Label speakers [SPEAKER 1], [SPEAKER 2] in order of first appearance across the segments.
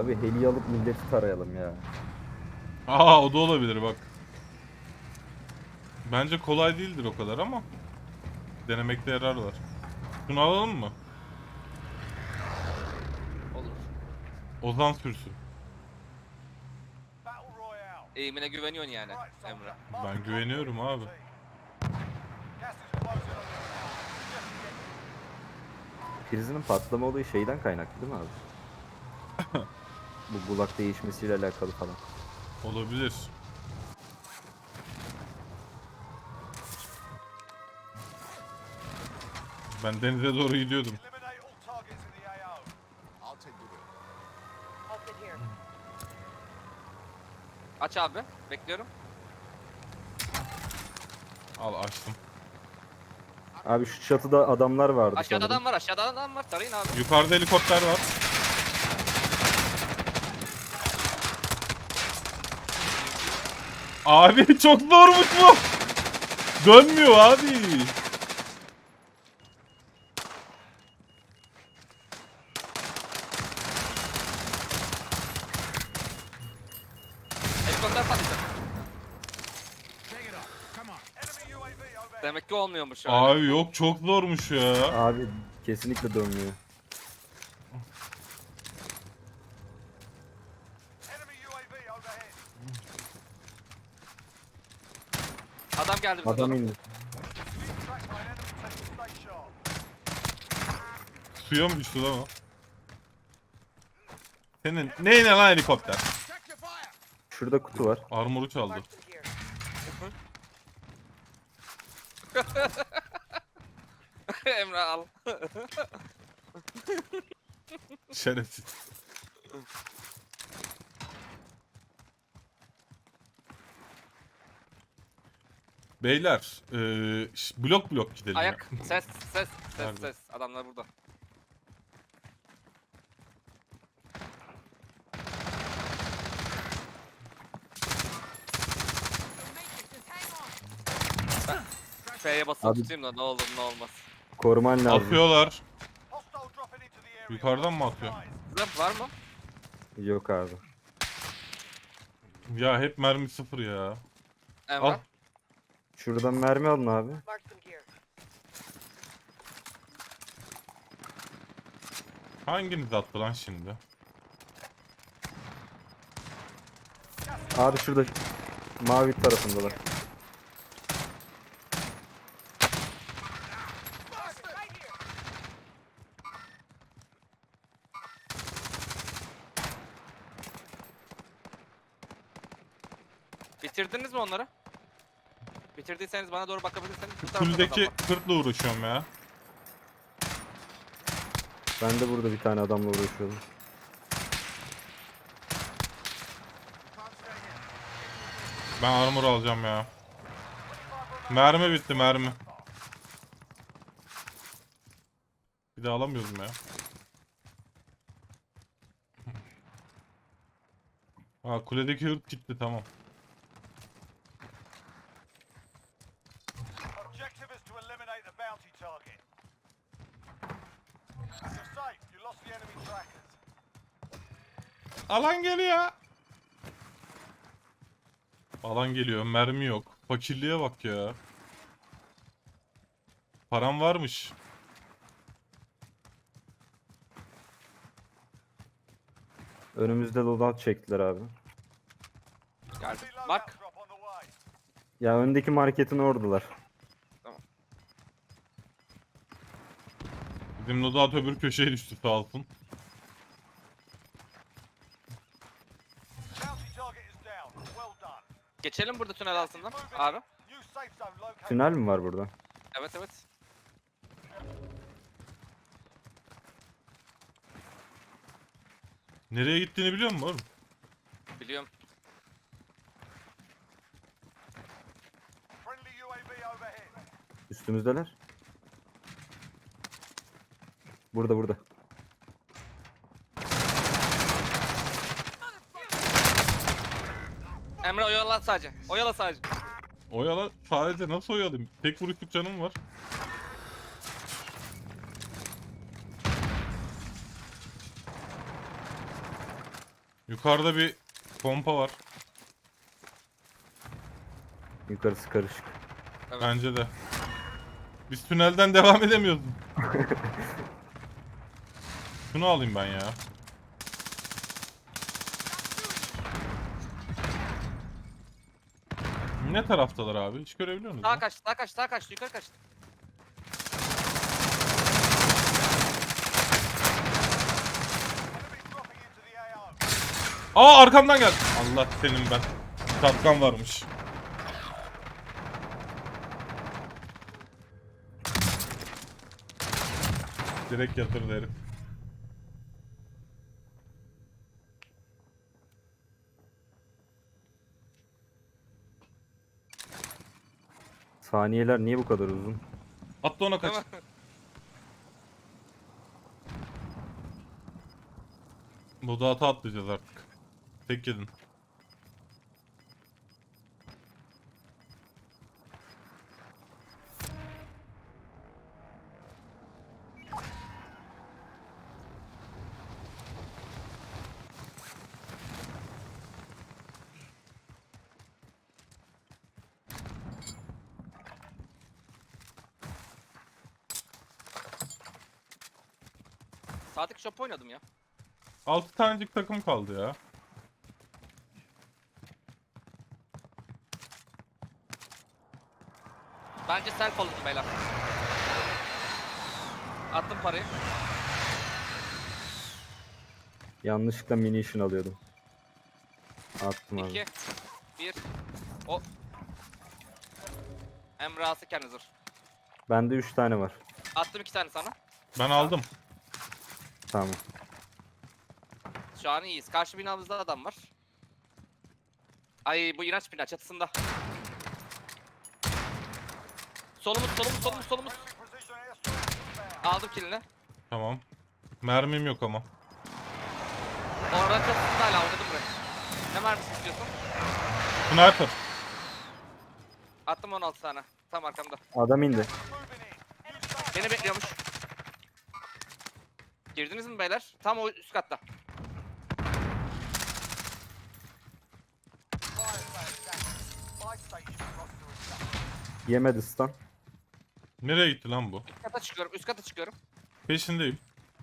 [SPEAKER 1] Abi heli alıp milleti tarayalım ya.
[SPEAKER 2] Aa, o da olabilir bak. Bence kolay değildir o kadar ama denemekte yarar var. Şunu alalım mı?
[SPEAKER 3] Olur.
[SPEAKER 2] Ozan sürsün.
[SPEAKER 3] Eğimine güveniyorsun yani Emre.
[SPEAKER 2] Ben güveniyorum abi.
[SPEAKER 1] Prizinin patlama olayı şeyden kaynaklı değil mi abi? Bu bulak değişmesiyle alakalı falan.
[SPEAKER 2] Olabilir. Ben denize doğru gidiyordum.
[SPEAKER 3] Aç abi. Bekliyorum.
[SPEAKER 2] Al açtım.
[SPEAKER 1] Abi şu çatıda adamlar vardı
[SPEAKER 3] Aşağıda
[SPEAKER 1] sanırım.
[SPEAKER 3] adam var. Aşağıda adam var. Tarayın abi.
[SPEAKER 2] Yukarıda helikopter var. Abi çok zormuş bu. Dönmüyor abi.
[SPEAKER 3] Helikopter patlayacak. Demek ki olmuyormuş öyle.
[SPEAKER 2] Abi yok, çok zormuş ya.
[SPEAKER 1] Abi kesinlikle dönmüyor.
[SPEAKER 3] Adam geldi bize
[SPEAKER 1] Adam
[SPEAKER 3] doğru.
[SPEAKER 1] indi.
[SPEAKER 2] Suya mı düştü lan o? Senin neyine lan helikopter?
[SPEAKER 1] Şurada kutu var.
[SPEAKER 2] Armoru çaldı.
[SPEAKER 3] Emre al.
[SPEAKER 2] Şerefsiz. Beyler, blok blok gidelim
[SPEAKER 3] Ayak.
[SPEAKER 2] ya.
[SPEAKER 3] Ses.
[SPEAKER 2] Nerede?
[SPEAKER 3] Ses. Adamlar burada. F'ye basıp
[SPEAKER 1] Abi-
[SPEAKER 3] tutayım da ne olur ne olmaz.
[SPEAKER 1] Koruman lazım.
[SPEAKER 2] Atıyorlar. Yukarıdan mı atıyor?
[SPEAKER 3] Zırh var mı?
[SPEAKER 1] Yok abi.
[SPEAKER 2] Ya hep mermi sıfır ya.
[SPEAKER 3] Emre.
[SPEAKER 2] Al.
[SPEAKER 1] Şuradan mermi alın abi.
[SPEAKER 2] Hanginiz attı lan şimdi?
[SPEAKER 1] Abi şurada mavi tarafındalar.
[SPEAKER 3] Bitirdiniz mi onları? Bitirdiyseniz bana doğru bakabilirseniz. Bu
[SPEAKER 2] Şu
[SPEAKER 3] tarafta da adam
[SPEAKER 2] kuledeki
[SPEAKER 3] var.
[SPEAKER 2] kırkla uğraşıyorum ya.
[SPEAKER 1] Ben de burada bir tane adamla uğraşıyorum.
[SPEAKER 2] Ben armor alacağım ya. Mermi bitti, mermi. Bir de alamıyorum ya. Ha, kuledeki hırt gitti, tamam.
[SPEAKER 4] Objective is to eliminate the bounty target. You're safe. You lost the enemy trackers.
[SPEAKER 2] Alan geliyor. Alan geliyor, mermi yok. Fakirliğe bak ya. Param varmış.
[SPEAKER 1] Önümüzde loadout çektiler abi.
[SPEAKER 3] Geldi.
[SPEAKER 4] Reload
[SPEAKER 3] Bak.
[SPEAKER 4] drop on the way.
[SPEAKER 1] Ya öndeki marketin oradalar.
[SPEAKER 2] Bizim loadout öbür köşeye düştü, sağ olsun.
[SPEAKER 4] Bounty target is down. Well done.
[SPEAKER 3] Geçelim burada tünel altından. Abi.
[SPEAKER 4] New safe zone located.
[SPEAKER 1] Tünel mi var burada?
[SPEAKER 3] Evet.
[SPEAKER 2] Nereye gittiğini biliyor musun oğlum?
[SPEAKER 3] Biliyorum.
[SPEAKER 4] Friendly UAV overhead.
[SPEAKER 1] Üstümüzdeler. Burada.
[SPEAKER 3] Emre oyala sadece. Oyala sadece.
[SPEAKER 2] Oyala, sadece nasıl oyalayayım? Tek vuruşluk canım var. Yukarıda bir pompa var.
[SPEAKER 1] Yukarısı karışık.
[SPEAKER 3] Evet.
[SPEAKER 2] Bence de. Biz tünelden devam edemiyoruz. Şunu alayım ben ya. Ne taraftalar abi? Hiç görebiliyor musunuz?
[SPEAKER 3] Sağa kaçtı, sağa kaçtı, sağa kaçtı, yukarı kaçtı.
[SPEAKER 4] Enemy dropping into the AO.
[SPEAKER 2] Aa, arkamdan geldi. Allah senin ben. Tatkan varmış. Direkt yatırdı herif.
[SPEAKER 1] Saniyeler niye bu kadar uzun?
[SPEAKER 2] Atla ona kaç.
[SPEAKER 3] Değil mi?
[SPEAKER 2] Bu dağıta atlayacağız artık. Tek yedin.
[SPEAKER 3] Sağdaki shop oynadım ya.
[SPEAKER 2] 6 tanecik takım kaldı ya.
[SPEAKER 3] Bence self alın beyler. Attım parayı.
[SPEAKER 1] Yanlışlıkla munition alıyordum. Attım abi.
[SPEAKER 3] 2 1 O Emre alsı kendi zırh.
[SPEAKER 1] Bende 3 tane var.
[SPEAKER 3] Attım 2 tane sana.
[SPEAKER 2] Ben aldım.
[SPEAKER 1] Tamam.
[SPEAKER 3] Şu an iyiyiz. Karşı binamızda adam var. Ay bu inanç bina çatısında. Solumuz.
[SPEAKER 4] Enemy precision airstrike inbound.
[SPEAKER 3] Aldım killini.
[SPEAKER 2] Tamam. Mermim yok ama.
[SPEAKER 3] Oradan çatısında hala oynadım buraya. Ne mermisi istiyorsun?
[SPEAKER 2] Sniper.
[SPEAKER 3] Attım 16 tane. Tam arkamda.
[SPEAKER 1] Adam indi.
[SPEAKER 4] Moving in. Use safe
[SPEAKER 3] Beni bekliyormuş. Girdiniz mi beyler? Tam o üst katta.
[SPEAKER 4] fire sale. My station roster is
[SPEAKER 1] Yemedi stun.
[SPEAKER 2] Nereye gitti lan bu?
[SPEAKER 3] Üst kata çıkıyorum.
[SPEAKER 2] Peşindeyim.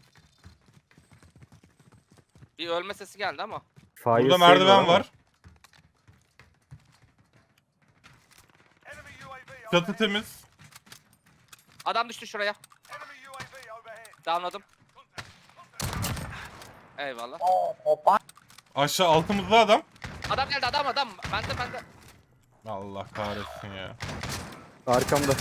[SPEAKER 3] Bir ölme sesi geldi ama.
[SPEAKER 1] Fire
[SPEAKER 2] Burada
[SPEAKER 1] sale
[SPEAKER 2] merdiven
[SPEAKER 1] ama
[SPEAKER 2] var.
[SPEAKER 4] Enemy UAV
[SPEAKER 2] Çatı
[SPEAKER 4] overhead.
[SPEAKER 2] temiz.
[SPEAKER 3] Adam düştü şuraya.
[SPEAKER 4] Enemy UAV overhead.
[SPEAKER 3] Downladım. Eyvallah.
[SPEAKER 2] Aşağı altımızda adam.
[SPEAKER 3] Adam geldi adam. Bende.
[SPEAKER 2] Allah kahretsin ya.
[SPEAKER 1] Arkamda.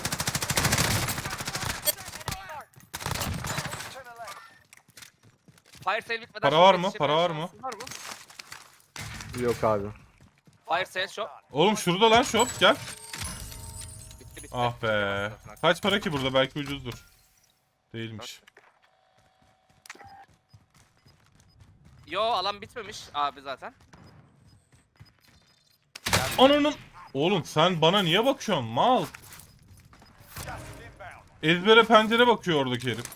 [SPEAKER 4] To the left.
[SPEAKER 3] Fire sale bitmeden
[SPEAKER 2] Para
[SPEAKER 3] shop
[SPEAKER 2] var mı?
[SPEAKER 3] yetişebilen
[SPEAKER 2] Para var mı?
[SPEAKER 3] şansın Var mı?
[SPEAKER 1] Yok abi.
[SPEAKER 3] Fire sale shop.
[SPEAKER 2] Oğlum şurada lan shop, gel.
[SPEAKER 3] Bitti.
[SPEAKER 2] Ah be. Kaç para ki burada? Belki ucuzdur. Değilmiş.
[SPEAKER 3] Yo alan bitmemiş abi zaten.
[SPEAKER 2] Ananın. Oğlum sen bana niye bakıyorsun mal?
[SPEAKER 4] Gas is inbound.
[SPEAKER 2] Ezbere pencere bakıyor oradaki herif.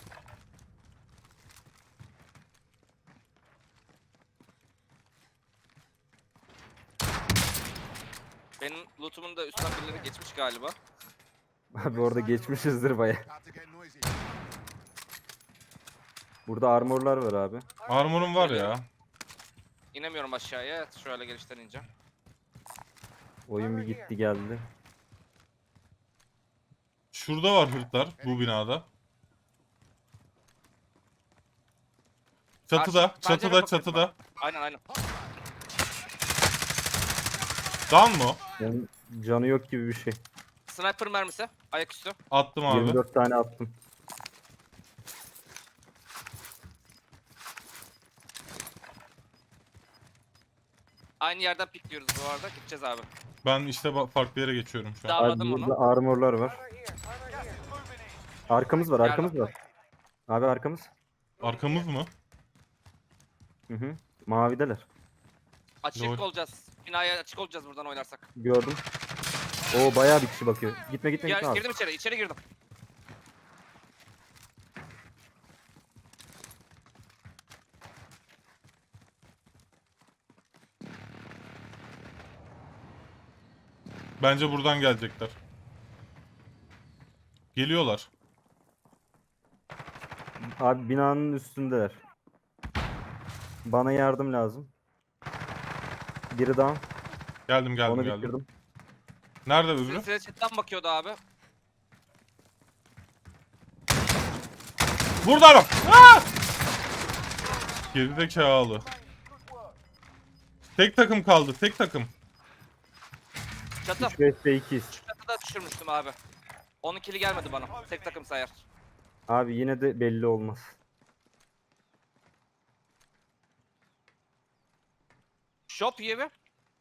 [SPEAKER 3] Benim lootumun da üstten birileri geçmiş galiba.
[SPEAKER 1] Abi orada geçmişizdir baya. Burada armorlar var abi.
[SPEAKER 2] Armorum var ya.
[SPEAKER 3] İnemiyorum aşağıya. Şöyle gelişten ineceğim.
[SPEAKER 1] Oyun bir gitti geldi.
[SPEAKER 2] Şurada var hırtlar bu binada. Çatıda,
[SPEAKER 3] Karşı- pencere
[SPEAKER 2] çatıda,
[SPEAKER 3] bakıyorum
[SPEAKER 2] çatıda.
[SPEAKER 3] Aynen.
[SPEAKER 2] Dan mı o?
[SPEAKER 1] Yani canı yok gibi bir şey.
[SPEAKER 3] Sniper mermisi. Ayaküstü.
[SPEAKER 2] Attım abi.
[SPEAKER 1] 24 tane attım.
[SPEAKER 3] Aynı yerden pikliyoruz bu arada. Gideceğiz abi.
[SPEAKER 2] Ben işte farklı yere geçiyorum şu an.
[SPEAKER 3] Daha-
[SPEAKER 1] Abi
[SPEAKER 3] Anladım
[SPEAKER 1] burada
[SPEAKER 3] onu.
[SPEAKER 1] armorlar var.
[SPEAKER 4] Gas is moving in.
[SPEAKER 1] Arkamız var, arkamız var. Abi arkamız.
[SPEAKER 2] Arkamız mı?
[SPEAKER 1] Hı hı. Mavideler.
[SPEAKER 3] Açık
[SPEAKER 2] Lol.
[SPEAKER 3] olacağız. Binaya açık olacağız buradan oynarsak.
[SPEAKER 1] Gördüm. Oo bayağı bir kişi bakıyor. Gitme abi.
[SPEAKER 3] Girdim içeri. İçeri girdim.
[SPEAKER 2] Bence buradan gelecekler. Geliyorlar.
[SPEAKER 1] Abi binanın üstündeler. Bana yardım lazım. Biri down.
[SPEAKER 2] Geldim geldim
[SPEAKER 1] Onu
[SPEAKER 2] geldim.
[SPEAKER 1] bitirdim.
[SPEAKER 2] Nerede öbürü?
[SPEAKER 3] Silsile chatten bakıyordu abi.
[SPEAKER 2] Burada adam. Aa! Gerizekalı.
[SPEAKER 4] Good work.
[SPEAKER 2] Tek takım kaldı. Tek takım.
[SPEAKER 3] Çatı.
[SPEAKER 1] 3 vs 2'yiz.
[SPEAKER 3] Çatıda düşürmüştüm abi. Onun kili gelmedi bana. Tek takım sayar.
[SPEAKER 1] Abi yine de belli olmaz.
[SPEAKER 3] Shop iyi mi?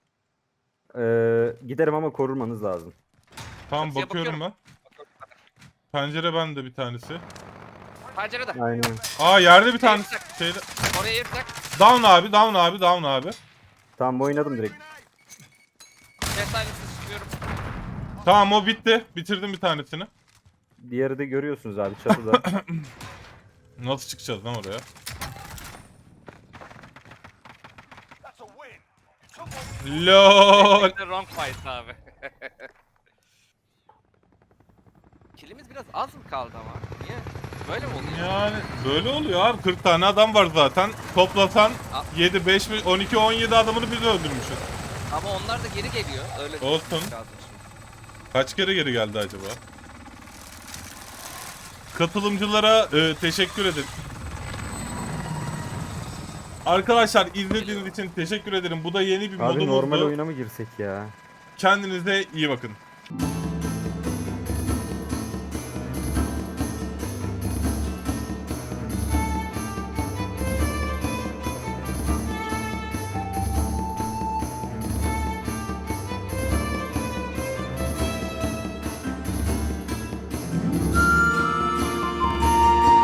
[SPEAKER 1] Giderim ama korurmanız lazım.
[SPEAKER 2] Tamam
[SPEAKER 3] Çatıya
[SPEAKER 2] bakıyorum ben. Pencere bende bir tanesi.
[SPEAKER 3] Pencerede.
[SPEAKER 1] Aynen.
[SPEAKER 2] Aa yerde bir tanesi. Şeyde.
[SPEAKER 3] Oraya yırtak.
[SPEAKER 2] Down abi, down abi, down abi.
[SPEAKER 1] Tamam oynadım direkt.
[SPEAKER 3] Cesaretsiz çıkıyorum.
[SPEAKER 2] Tamam o bitti. Bitirdim bir tanesini.
[SPEAKER 1] Diğeri de görüyorsunuz abi çatıda.
[SPEAKER 2] Nasıl çıkacağız lan oraya?
[SPEAKER 4] That's a win. You took what
[SPEAKER 2] LOL.
[SPEAKER 3] Wrong fight abi. Kilimiz biraz az mı kaldı ama? Niye? Böyle mi oluyor?
[SPEAKER 2] Yani böyle oluyor abi. 40 tane adam var zaten. Toplasan
[SPEAKER 3] A-
[SPEAKER 2] 7, 5, 12, 17 adamını biz öldürmüşüz.
[SPEAKER 3] Ama onlar da geri geliyor. Öyle
[SPEAKER 2] Olsun.
[SPEAKER 3] düşünmek lazım şimdi.
[SPEAKER 2] Kaç kere geri geldi acaba? Katılımcılara teşekkür ederim. Arkadaşlar izlediğiniz için teşekkür ederim. Bu da yeni bir
[SPEAKER 1] Abi
[SPEAKER 2] modumuzdu.
[SPEAKER 1] normal oyuna mı girsek ya?
[SPEAKER 2] Kendinize iyi bakın.